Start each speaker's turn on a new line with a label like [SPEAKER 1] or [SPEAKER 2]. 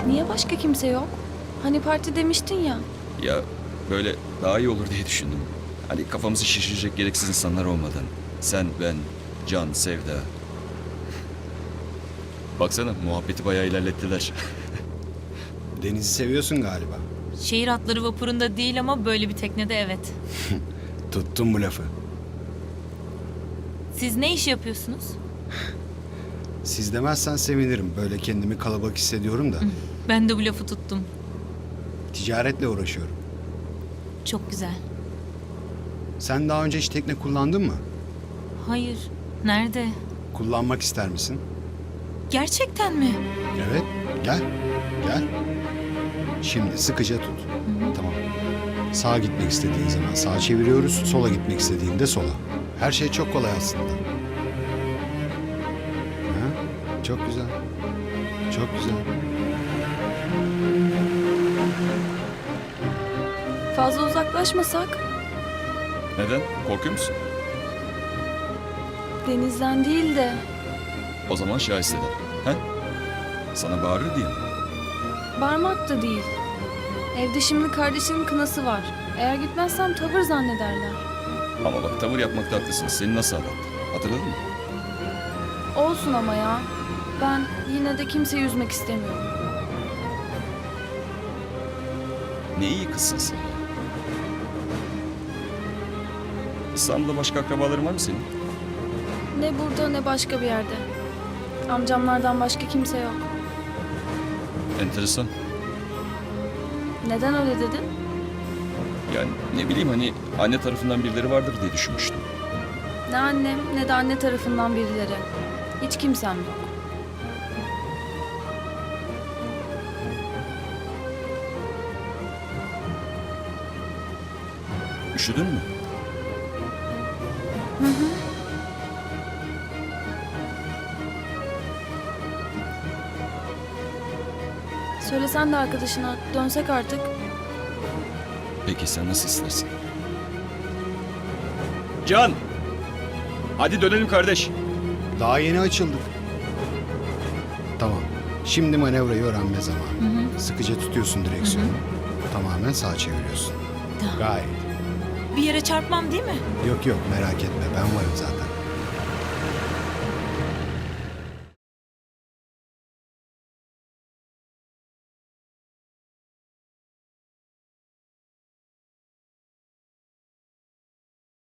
[SPEAKER 1] Niye başka kimse yok? Hani parti demiştin ya.
[SPEAKER 2] Ya böyle daha iyi olur diye düşündüm. Hani kafamızı şişirecek gereksiz insanlar olmadan. Sen, ben, Can, Sevda. Baksana muhabbeti bayağı ilerlettiler.
[SPEAKER 3] Denizi seviyorsun galiba.
[SPEAKER 4] Şehir atları vapurunda değil ama böyle bir teknede evet.
[SPEAKER 3] Tuttum bu lafı.
[SPEAKER 4] Siz ne iş yapıyorsunuz?
[SPEAKER 3] Siz demezsen sevinirim. Böyle kendimi kalabalık hissediyorum da.
[SPEAKER 4] Ben de bu lafı tuttum.
[SPEAKER 3] Ticaretle uğraşıyorum.
[SPEAKER 4] Çok güzel.
[SPEAKER 3] Sen daha önce hiç tekne kullandın mı?
[SPEAKER 4] Hayır. Nerede?
[SPEAKER 3] Kullanmak ister misin?
[SPEAKER 4] Gerçekten mi?
[SPEAKER 3] Evet. Gel. Gel. Şimdi sıkıca tut. Tamam. Sağa gitmek istediğin zaman sağa çeviriyoruz. Sola gitmek istediğinde sola. Her şey çok kolay aslında. Ha? Çok güzel. Çok güzel.
[SPEAKER 1] Fazla uzaklaşmasak?
[SPEAKER 2] Neden? Korkuyor musun?
[SPEAKER 1] Denizden değil de
[SPEAKER 2] O zaman Şahiste'den. He? Sana bağırır diye mi?
[SPEAKER 1] bağırmak da değil. Evde şimdi kardeşimin kınası var. Eğer gitmezsem tavır zannederler.
[SPEAKER 2] Ama bak tavır yapmakta haklısın. Seni nasıl anlattı? Hatırladın mı?
[SPEAKER 1] Olsun ama ya. Ben yine de kimseyi üzmek istemiyorum.
[SPEAKER 2] Ne iyi kızsın sen ya. İstanbul'da başka akrabaların var mı senin?
[SPEAKER 1] Ne burada ne başka bir yerde. Amcamlardan başka kimse yok.
[SPEAKER 2] Enteresan.
[SPEAKER 1] Neden öyle dedin?
[SPEAKER 2] Yani ne bileyim hani anne tarafından birileri vardır diye düşünmüştüm.
[SPEAKER 1] Ne annem ne de anne tarafından birileri. Hiç kimsem yok.
[SPEAKER 2] Üşüdün mü?
[SPEAKER 1] Söylesen de arkadaşına dönsek artık.
[SPEAKER 2] Peki sen nasıl istersin? Can! Hadi dönelim kardeş.
[SPEAKER 3] Daha yeni açıldık. Tamam. Şimdi manevrayı öğrenme zamanı. Sıkıca tutuyorsun direksiyonu. Tamamen sağa çeviriyorsun.
[SPEAKER 4] Tamam.
[SPEAKER 3] Gayet.
[SPEAKER 4] Bir yere çarpmam değil mi?
[SPEAKER 3] Yok yok merak etme ben varım zaten.